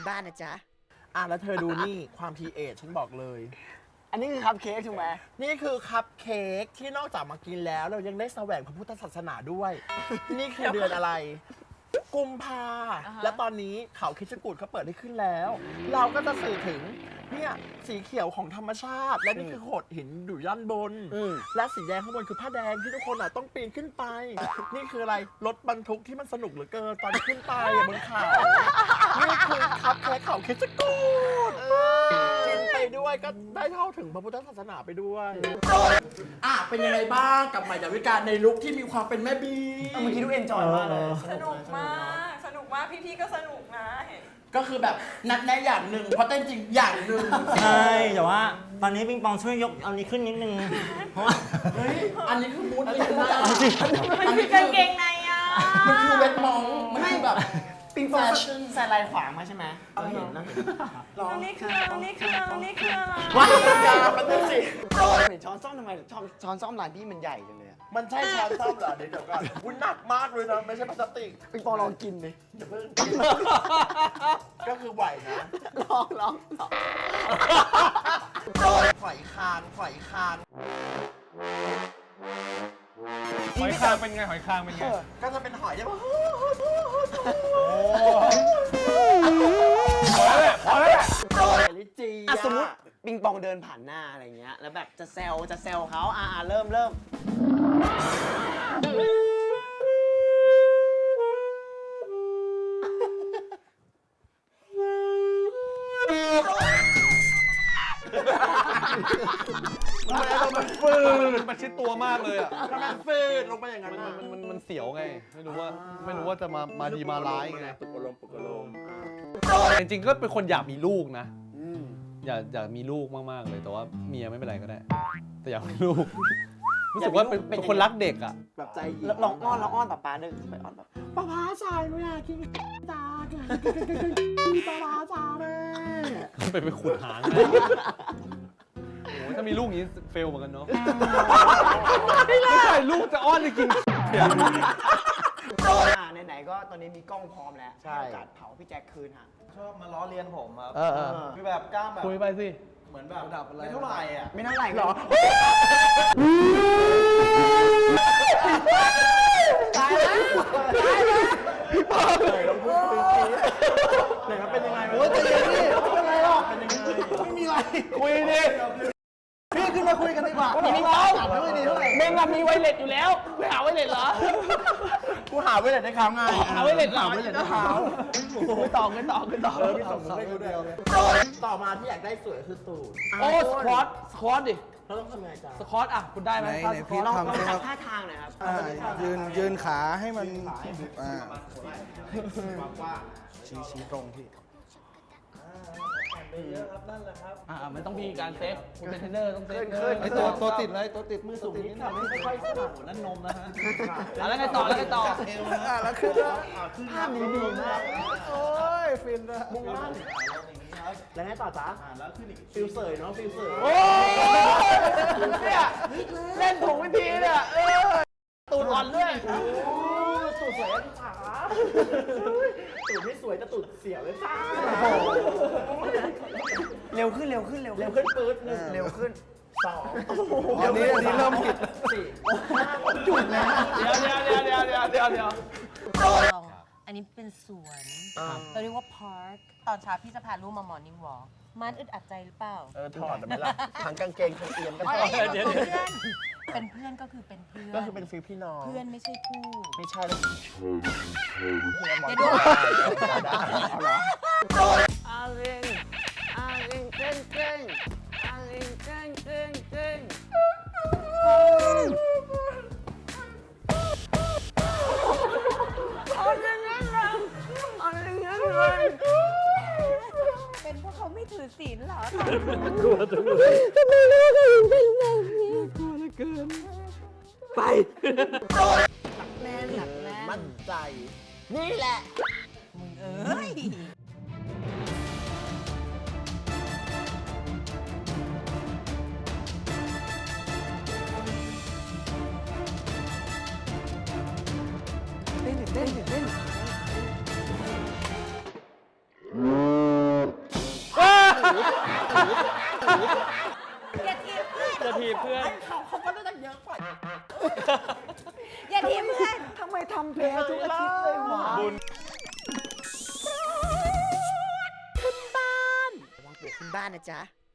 บ้านนะจ๊ะแล้วเธอดูนี่ความทีเอทฉันบอกเลยอันนี้คือคัพเค้กถูกไหมนี่คือคัพเค้กที่นอกจากมากินแล้วเรายังได้แสวงพระพุทธศาสนาด้วย นี่คือเดือนอะไร กุมภาและตอนนี้เขาคิดจกูฏเขาเปิดให้ขึ้นแล้ว เราก็จะสื่อถึงเนี่ยสีเขียวของธรรมชาติ และนี่คือโขดหินอยู่ด้านบน และสีแดงข้างบนคือผ้าแดงที่ทุกคนต้องปีนขึ้นไป นี่คืออะไรรถบรรทุกที่มันสนุกเหลือเกินตอนขึ้นไปบนเขานี่คือคัพเค้กเขาคิดจกูฏกินไปด้วยก็ได้เข้าถึงพระพุทธศาสนาไปด้วยเป็นยังไงบ้างกับใหม่ดาวิกาในลุคที่มีความเป็นแม่บีเมื่อกี้ดูเอนจอยมากเลยสนุกมากพี่ๆก็สนุกนะเห็นก็คือแบบนัดแนะอย่างหนึ่งเพราะเต้นจริงอย่างหนึ่งใช่แต่ว่าตอนนี้ปิงปองช่วยยกเอานี้ขึ้นนิดนึงเพราะว่าเฮ้ยอันนี้คือมูดลินนะมันคือกางเกงในอ่ะมันคือเวทมองมันคือแบบปิงปองใส่ลายขวางมาใช่ไหมเราเห็นนี่คืออะไรว้ายยามันดูสิเห็นช้อนซ่อมทำไมช้อนซ่อมร้านพี่มันใหญ่จังเลยมันใช่ช้อนซ่อมเหรอเดี๋ยวก่อนวุ้นหนักมากเลยนะไม่ใช่พลาสติกปิงปองลองกินดิอย่าเพิ่งก็คือไหวนะลองฝอยคางหอยคางเป็นไงหอยคางเป็นไงก็จะเป็นหอยได้ปะพอแล้วแหละลิจีสมมติปิงปองเดินผ่านหน้าอะไรเงี้ยแล้วแบบจะแซวเขาเริ่มมันฟืดมันชิดตัวมากเลยอ่ะทำไมฟืดลงไปอย่างนั้นมันเสียวไงไม่รู้ว่าจะมาดีมาร้ายไงปุกกะลมจริงๆก็เป็นคนอยากมีลูกนะอยากมีลูกมากๆเลยแต่ว่าเมียไม่เป็นไรก็ได้ แต่อยากมีลูกรู้สึกว่าเป็นคนรักเด็กอ่ะแบบใจเย็นลองอ้อนป๊าเดินไปอ้อนแบบป้าพาชายไม่อยากกินตาป้าพาชายแม่ไปขุดหางโอ้ถ้ามีลูกอย่างนี้เฟลเหมือนกันเนาะไม่ใช่ลูกจะอ้อนจะกินไหนๆก็ตอนนี้มีกล้องพร้อมแล้วให้โอกาสเผาพี่แจ็คคืนฮะชอบมาล้อเลียนผมครับคืคือแบบกล้ามแบบคุยไปสิเหมือนแบบไม่เท่าไหร่อ่ะไม่เท่าไหร่หรอตายแล้วไหนมันเป็นยังไงโอ้ยใจเย็นดิไม่เป็นไรหรอกไม่มีอะไรคุยดิพี่ขึ้นมาคุยกันดีกว่าพี่เป้าไม่ดีเท่าไหร่เมงอะมีไวเลสอยู่แล้วไม่หาไวเลสเหรอกูหาไว้เลยได้ครั้งไงหาไว้เลยเหรอหาไว้เลยได้ครั้งไม่ต่อพี่ต่อพี่ส่งให้กูด้วยต่อมาที่อยากได้สวยคือตูดโอ้สควอตดิเราต้องทำยังไงจ๊ะสควอตอ่ะคุณได้ไหมไหนพี่ลองทำสิครับท่าทางหน่อยครับยืนขาให้มันชี้ตรงพี่มันต้องมีการเซฟคุณเป็นเทรนเนอร์ต้องเซฟไอตัวติดเลยตัวติดมือสูงนิดหน่อยไม่ค่อยสนับนั่นนมนะฮะแล้วไงต่อแล้วขึ้นแล้วภาพนี้ดีมากโอ้ยฟินละมุ่งมั่นแล้วไงต่อจ๊ะฟิลเสยเนาะฟิลเสยโอ้เนี่ยเล่นถูกวิธีเนี่ยตูดอ่อนด้วยตูดสวยจ้าตูดไม่สวยแต่ตูดเสียวเลยจ้าเร็วขึ้นเร็วขึ้นปื๊ดหนึ่งเร็วขึ้นสองอันนี้เริ่มผิดสี่จุดนะเดี๋ยวอันนี้เป็นสวนเราเรียกว่าพาร์คตอนเช้าพี่จะพาลูกมามอร์นิ่งวอล์กมันอึดอัดใจหรือเปล่าถอดได้ไหมล่ะทั้งกางเกงทั้งเอียมก็ถอดเป็นเพื่อนก็คือเป็นเพื่อนก็คือเป็นฟิลพี่น้องเพื่อนไม่ใช่คู่ไม่ใช่แล้วอย่าดูอาเร่งเก่งอาเร่งเก่งเป็นพวกเขาไม่ถือศีลเหรอไปแน่นหนักแน่นมั่นใจ นี่แหละมึงเอ้ยอย่าทีบเพื่อนจะทีบเพื่อนเขาก็ได้เยอะกว่าอย่าทีบเพื่อนทำไมทำแพ้ทุกอาทิตย์เลยวะขึ้นบ้านระวังปวกขึ้นบ้านนะจ๊ะ